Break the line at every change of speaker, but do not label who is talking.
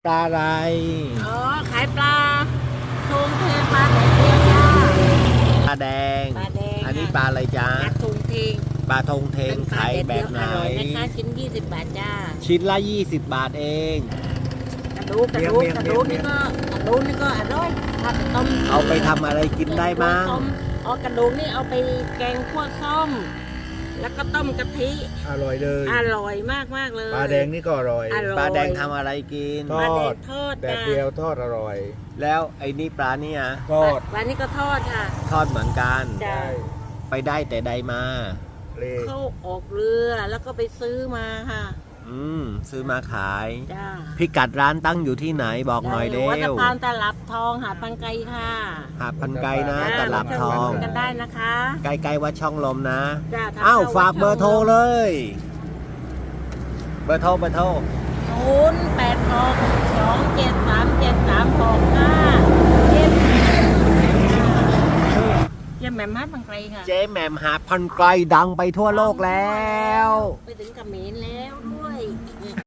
ปลาอะไร
อ๋อขายปลาทูงเทปลาแดดเดียวจ้า
ปลาแดง
ปลาแดง
อันนี้ปลาอะไรจ๊ะ
ปลาทูงเทง
ปลาทงเทงขายแบบไหน
อร่อยนะคะชิ้น20 บาทจ้า
ชิ้นละ20 บาทเอง
กระดูกนี่ก็อร่อยถ้าต้ม
เอาไปทำอะไรกินได้บ้าง
อ๋อกระดูกนี่เอาไปแกงขั่วส้มแล้วก็ต้มกะทิ
อร่อยเลย
อร่อยมากเลย
ปลาแดงนี่ก็อร่อย
ปลาแดงทำอะไรกิน
ทอดแดดเดียวทอดอร่อย
แล้วไอ้นี่ปลาเนี่ย
ทอด
ปลานี่ก็ทอดค่ะ
ทอดเหมือนกันไปได้แต่ใดมา
เขาออกเรือแล้วก็ไปซื้อมาค่ะ
ซื้อมาขาย
จ้า
พิกัดร้านตั้งอยู่ที่ไหนบอกหน่อยเร็ว
วัดสะพานตลับทองหาดพันไกค่ะ
หาดพันไกนะตลับทอง
กันได้นะคะ
ใกล้ๆวัดช่องลมนะ
อ้
าวฝากเบอร์โทรเลยเบอร์โทร
0862737365เจ๊แหม่มหาดพันไกค่ะ
เจ๊แหม่มหาดพันไกลดังไปทั่วโลกแล้ว
ไปถึงเขมรแล้วด้วย